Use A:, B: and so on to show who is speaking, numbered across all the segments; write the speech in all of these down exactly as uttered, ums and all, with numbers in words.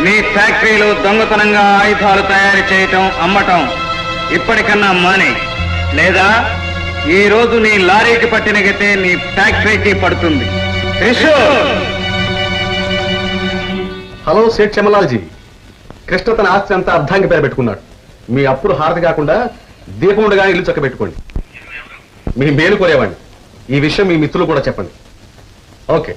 A: నీ ఫ్యాక్టరీలో దొంగతనంగా ఆయుధాలు తయారు చేయటం అమ్మటం ఇప్పటికన్నా మానే, లేదా ఈ రోజు నీ లారీకి పట్టిన గతే నీ ఫ్యాక్టరీకి పడుతుంది.
B: హలో సేట్ చమలాల్జీ, కృష్ణ తన ఆస్తి అంతా అర్ధాంగి పేరు పెట్టుకున్నాడు. మీ అప్పుడు హారతి కాకుండా దీపం ఉండగా ఇల్లు చక్క పెట్టుకోండి. మీ మేలు కోరేవాడిని. ఈ విషయం మీ మిత్రులు కూడా చెప్పండి. ఓకే.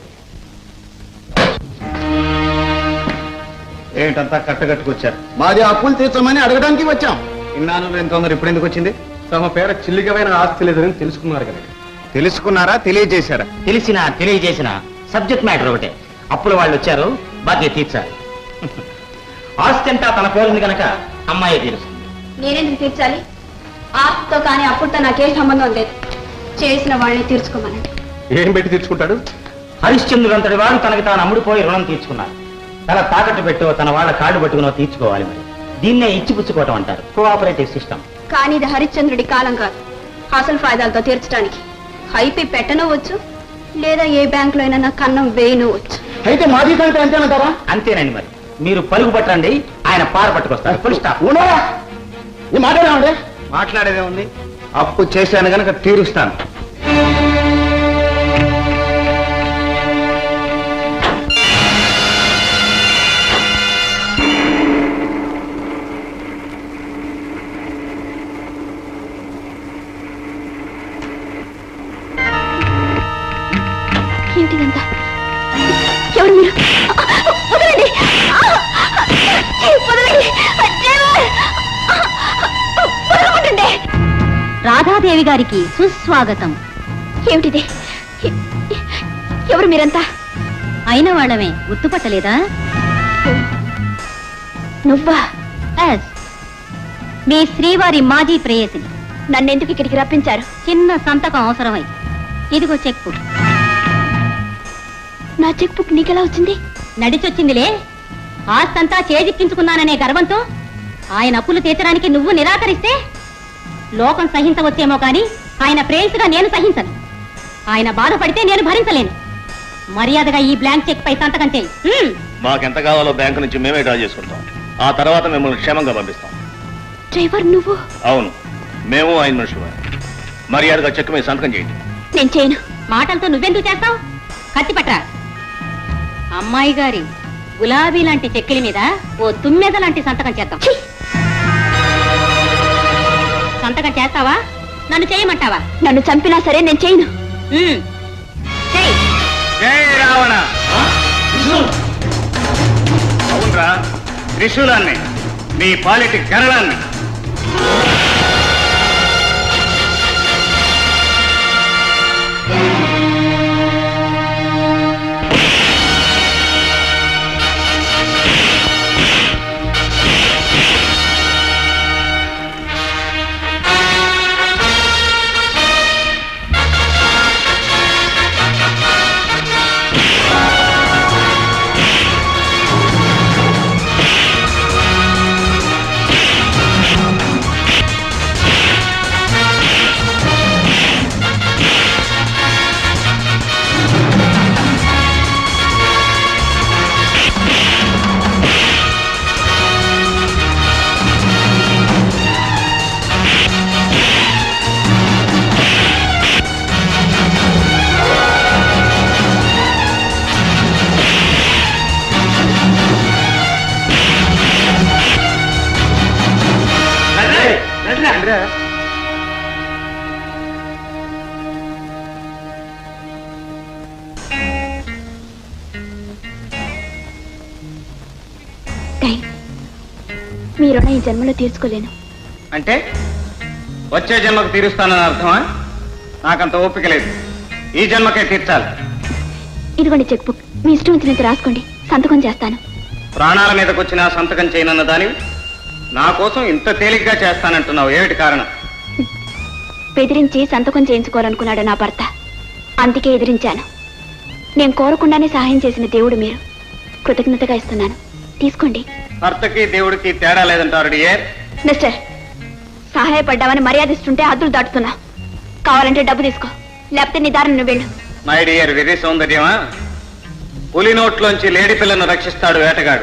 A: ఏంటంతా కట్టగట్టుకొచ్చారు?
C: మాది అప్పులు తీర్చమని అడగడానికి వచ్చాం.
A: ఇన్నాళ్ళు నేను తొందర ఇప్పుడు ఎందుకు వచ్చింది?
B: తమ పేర చిల్లిగమైన ఆస్తి లేదని తెలుసుకున్నారు కదా.
A: తెలుసుకున్నారా, తెలియజేశారా?
D: తెలిసినా తెలియజేసిన సబ్జెక్ట్ మ్యాటర్ ఒకటే. అప్పుల వాళ్ళు వచ్చారు, బాధ్యత తీర్చాలి. ఆస్తి అంతా తన పేరుంది కనుక అమ్మాయి తీరుస్తుంది.
E: నేనెందుకు తీర్చాలి? ఆస్తితో కానీ అప్పుడుతో నాకేం సంబంధం లేదు. చేసిన వాళ్ళని తీర్చుకోమనండి.
B: ఏం పెట్టి తీర్చుకుంటాడు?
D: హరిశ్చంద్రుడు అంతటి వాడు తనకి తాను అమ్ముడుపోయి రుణం తీర్చుకున్నారు. తన తాకట్టు పెట్టో తన వాళ్ళ కాళ్ళు పట్టుకునో తీర్చుకోవాలి. మరి దీన్నే ఇచ్చిపుచ్చుకోవటం అంటారు, కోఆపరేటివ్ సిస్టమ్.
E: కానీ ఇది హరిశ్చంద్రుడి కాలం కాదు. అసలు ఫాయిదాలతో తీర్చడానికి హైపి పెట్టను వచ్చు, లేదా ఏ బ్యాంకులో అయినా నా కన్నం వేయను వచ్చు.
D: అయితే మాజీ సంగతి అంతేనంటారా? అంతేనండి. మరి మీరు పలుగు పట్టండి, ఆయన పార పట్టుకొస్తారు. Full stop.
C: మాట్లాడామండి.
A: మాట్లాడేదే ఉంది. అప్పు చేశాను గనక తీరుస్తాను.
E: ఏంటిదంతా? ఎవరు మీరు? వదలండి, వదలండి, వదలకుంటుండే.
F: రాధాదేవి గారికి సుస్వాగతం.
E: ఏమిటిది? ఎవరు మీరంతా?
F: అయిన వాళ్ళమే గుర్తుపట్టలేదా?
E: నువ్వా?
F: ఎస్, మీ శ్రీవారి మాజీ ప్రేయసిని.
E: నన్నెందుకు ఇక్కడికి రప్పించారు?
F: చిన్న సంతకం అవసరమై. ఇదిగో చెక్ బుక్.
E: నా చెక్ బుక్ నీకెలా వచ్చింది?
F: నడిచొచ్చిందిలే. ఆస్తంతా చేజిక్కించుకున్నాననే గర్వంతో ఆయన అప్పులు తీర్చడానికి నువ్వు నిరాకరిస్తే లోకం సహించవచ్చేమో కానీ ఆయన ప్రేయసిగా నేను సహించను. ఆయన బాధపడితే నేను భరించలేను. మర్యాదగా ఈ బ్లాంక్ చెక్ పై సంతకం చేయి.
G: మాకెంత కావాలో బ్యాంకు నుంచి మేమే డ్రా చేసుకుంటాం. ఆ తర్వాత మిమ్మల్ని క్షేమంగా పంపిస్తాం.
E: డ్రైవర్ నువ్వు?
G: అవును, మేము ఆయన మనుషులు. మర్యాదగా చెక్ మీద సంతకం చేయండి.
E: నేను చేయను.
F: మాటలతో నువ్వెందుకు చేస్తావు? కత్తి పట్రా. అమ్మాయి గారి గులాబీ లాంటి చెక్కిలి మీద ఓ తుమ్మెద లాంటి సంతకం చేద్దాం. సంతకం చేస్తావా? నన్ను చేయమంటావా?
E: నన్ను చంపినా సరే నేను చేయను.
A: జై రావణ. అవునరా, త్రిశూలాన్ని, నీ పాలిటి గరళాన్ని.
E: మీ రుణం ఈ జన్మలో తీర్చుకోలేను.
A: అంటే వచ్చే జన్మకు తీరుస్తానని అర్థమా? నాకంత ఓపిక లేదు. ఈ జన్మకే తీర్చాలి.
E: ఇదిగోండి చెక్ బుక్. మీ ఇష్టం వచ్చినంత రాసుకోండి, సంతకం చేస్తాను.
A: ప్రాణాల మీదకి వచ్చినా సంతకం చేయనన్న దాని నా కోసం ఇంత తేలిగ్గా చేస్తానంటున్నావు, ఏమిటి కారణం?
E: బెదిరించి సంతకం చేయించుకోవాలనుకున్నాడు నా భర్త, అందుకే ఎదిరించాను. నేను కోరకుండానే సహాయం చేసిన దేవుడు మీరు. కృతజ్ఞతగా ఇస్తున్నాను, తీసుకోండి.
A: భర్తకి దేవుడికి తేడా లేదంటారు డియర్.
E: మిస్టర్, సహాయపడ్డామని మర్యాదిస్తుంటే హద్దులు దాటుతున్నా. కావాలంటే డబ్బు తీసుకో, లేకపోతే నీ దారిని నువ్వు వెళ్ళు.
A: మై డియర్, వెరీ సౌందర్యమా? పులి నోట్లోంచి లేడి పిల్లను రక్షిస్తాడు వేటగాడు,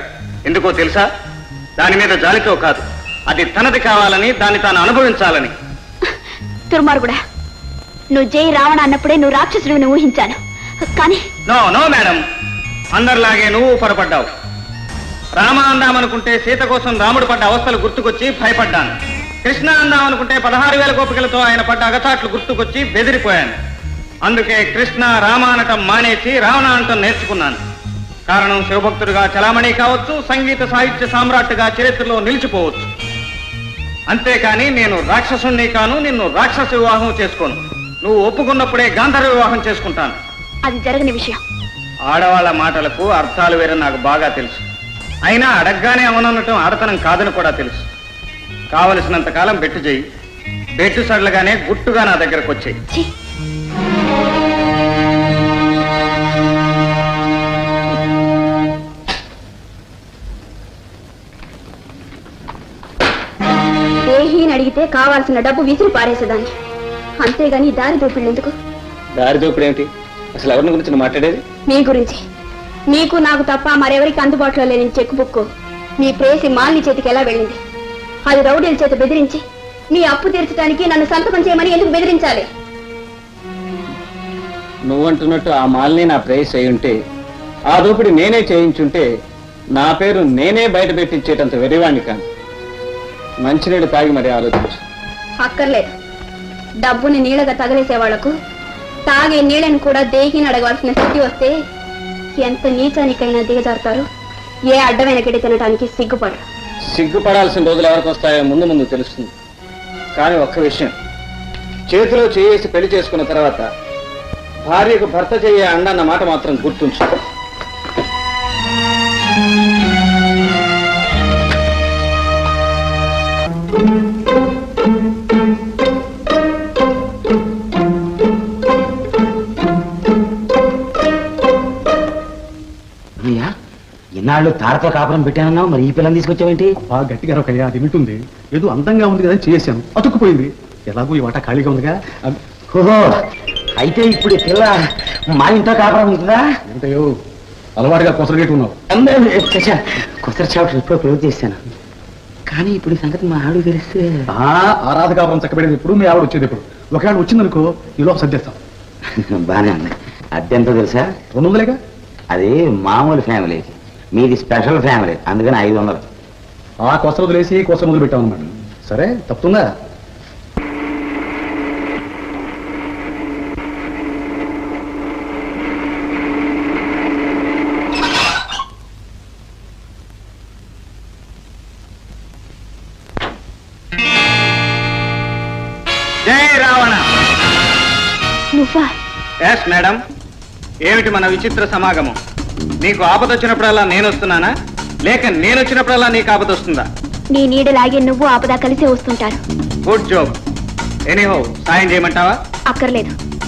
A: ఎందుకో తెలుసా? దాని మీద జాలితో కాదు, అది తనది కావాలని, దాన్ని తాను అనుభవించాలని.
E: దుర్మార్గుడా, నువ్వు జై రావణ అన్నప్పుడే నువ్వు రాక్షసుడిని ఊహించాను. కానీ
A: నో నో మేడం, అందరిలాగే నువ్వు పొరపడ్డావు. రామ అందామనుకుంటే సీత కోసం రాముడు పడ్డ అవస్థలు గుర్తుకొచ్చి భయపడ్డాను. కృష్ణ అందామనుకుంటే పదహారు వేల గోపికలతో ఆయన పడ్డ అగచాట్లు గుర్తుకొచ్చి బెదిరిపోయాను. అందుకే కృష్ణ రామ అనటం మానేసి రావణ అనటం నేర్చుకున్నాను. కారణం శివభక్తుడిగా చలామణి కావచ్చు, సంగీత సాహిత్య సామ్రాట్టుగా చరిత్రలో నిలిచిపోవచ్చు. అంతేకాని నేను రాక్షసుణ్ణి కాను, నిన్ను రాక్షస వివాహం చేసుకోను. నువ్వు ఒప్పుకున్నప్పుడే గాంధర్వ వివాహం చేసుకుంటాను.
E: అది జరగని విషయం.
A: ఆడవాళ్ల మాటలకు అర్థాలు వేరే నాకు బాగా తెలుసు. అయినా అడగ్గానే అవననటం ఆడతనం కాదని కూడా తెలుసు. కావలసినంత కాలం బెట్టు చేయి, బెట్టు సడలగానే గుట్టుగా నా దగ్గరకు వచ్చాయి.
E: ఛీ! దేహీని అడిగితే కావాల్సిన డబ్బు విసిరి పారేసేదాన్ని, అంతేగాని దారి దోపిళ్ళు ఎందుకు?
A: దారి దోపిడు ఏమిటి? అసలు ఎవరిని గురించి మాట్లాడేది?
E: మీ గురించి. మీకు నాకు తప్ప మరెవరికి అందుబాటులో లేని చెక్ బుక్ మీ ప్రేసి మాలిని చేతికి ఎలా వెళ్ళింది? అది రౌడీల చేత బెదిరించి మీ అప్పు తీర్చడానికి నన్ను సంతకం చేయమని ఎందుకు బెదిరించాలి?
H: నువ్వంటున్నట్టు ఆ మాల్ని నా ప్రేయస్ అయి ఉంటే, ఆ దోపిడి నేనే చేయించుంటే నా పేరు నేనే బయట పెట్టించేటంత వెరివాణ్ణి కాను. మంచినీళ్ళు తాగి మరి ఆలోచించు.
E: అక్కర్లేదు. డబ్బుని నీళ్ళగా తగలేసే వాళ్లకు తాగే నీళ్ళని కూడా దేహిని అడగవలసిన స్థితి వస్తే ఎంత నీచానికైనా దిగజారుతారు. ఏ అడ్డమైన గిడి తినడానికి సిగ్గుపడరు.
H: సిగ్గుపడాల్సిన రోజులు ఎవరికి వస్తాయో ముందు ముందు తెలుస్తుంది. కానీ ఒక్క విషయం, చేతిలో చేసి పెళ్లి చేసుకున్న తర్వాత భార్యకు భర్త చెయ్యే అండన్న మాట మాత్రం గుర్తుంచు.
D: ఇన్నాళ్ళు తారతో కాపురం పెట్టానన్నావు, మరి ఈ పిల్లని తీసుకొచ్చావేంటి?
B: బాగా గట్టిగా రొకయ్యా, అది వింటుంది. ఏదో అందంగా ఉంది కదా చేశాను, అతుక్కుపోయింది. ఎలాగో ఈ వాట ఖాళీగా ఉందిగా.
D: ఓహో, అయితే ఇప్పుడు ఈ పిల్ల మా ఇంట్లో కాపురం ఉంటుందా?
B: ఏంటయ్యో అలవాటుగా కొసరగేటు ఉన్నావు.
D: కొత్త చాప్టర్ ఇప్పుడు క్లోజ్ చేశాను. కానీ ఇప్పుడు ఈ సంగతి మా ఆవిడ తెలిస్తే
B: ఆ ఆరాధ కాపురం చక్కబెడేది ఎప్పుడు, మీ ఆవిడ వచ్చేది ఎప్పుడు. ఒకవేళ వచ్చిందనుకో ఈలోపు సర్దేస్తాం.
D: బానే ఉంది. అద్దెంతో తెలుసా?
B: రెండు వందలేగా.
D: అది మామూలు ఫ్యామిలీకి, మీది స్పెషల్ ఫ్యామిలీ, అందుకని ఐదు వందలు.
B: ఆ కొసర వదిలేసి కొసర మొదలు పెట్టామన్నమాట. సరే, తప్పుతుందా?
A: జై రావణ.
E: నువ్వా?
A: Yes madam. ఏమిటి మన విచిత్ర సమాగమం? నీకు ఆపద వచ్చినప్పుడల్లా నేను వస్తున్నానా, లేక నేను వచ్చినప్పుడల్లా నీకు ఆపద వస్తుందా?
E: నీ నీడలాగే నువ్వు ఆపద కలిసే వస్తుంటారు.
A: Good job. ఎనీహో, సాయం చేయమంటావా?
E: అక్కర్లేదు.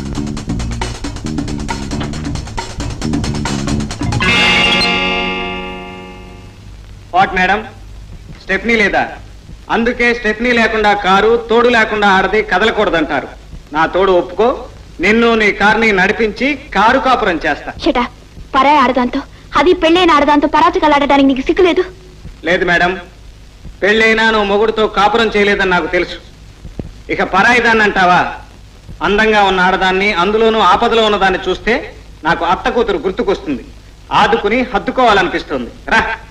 A: వాట్ మేడం, స్టెప్నీ లేదా? అందుకే స్టెప్నీ లేకుండా కారు, తోడు లేకుండా ఆడది కదలకూడదంటారు. నా తోడు ఒప్పుకో, నిన్ను నీ కార్ని నడిపించి కారు కాపురం చేస్తా.
E: షటా, పరాయి ఆడదాంతో, అది పెళ్ళైన ఆడదాంతో పరాచకాలాడటానికి నీకు సిగ్గులేదు?
A: లేదు మేడం, పెళ్ళైనా నువ్వు మొగుడుతో కాపురం చేయలేదని నాకు తెలుసు. ఇక పరాయిదాన్ని అంటావా? అందంగా ఉన్న ఆడదాన్ని, అందులోనూ ఆపదలో ఉన్నదాన్ని చూస్తే నాకు అత్త కూతురు గుర్తుకొస్తుంది. ఆదుకుని హత్తుకోవాలనిపిస్తుంది. రా.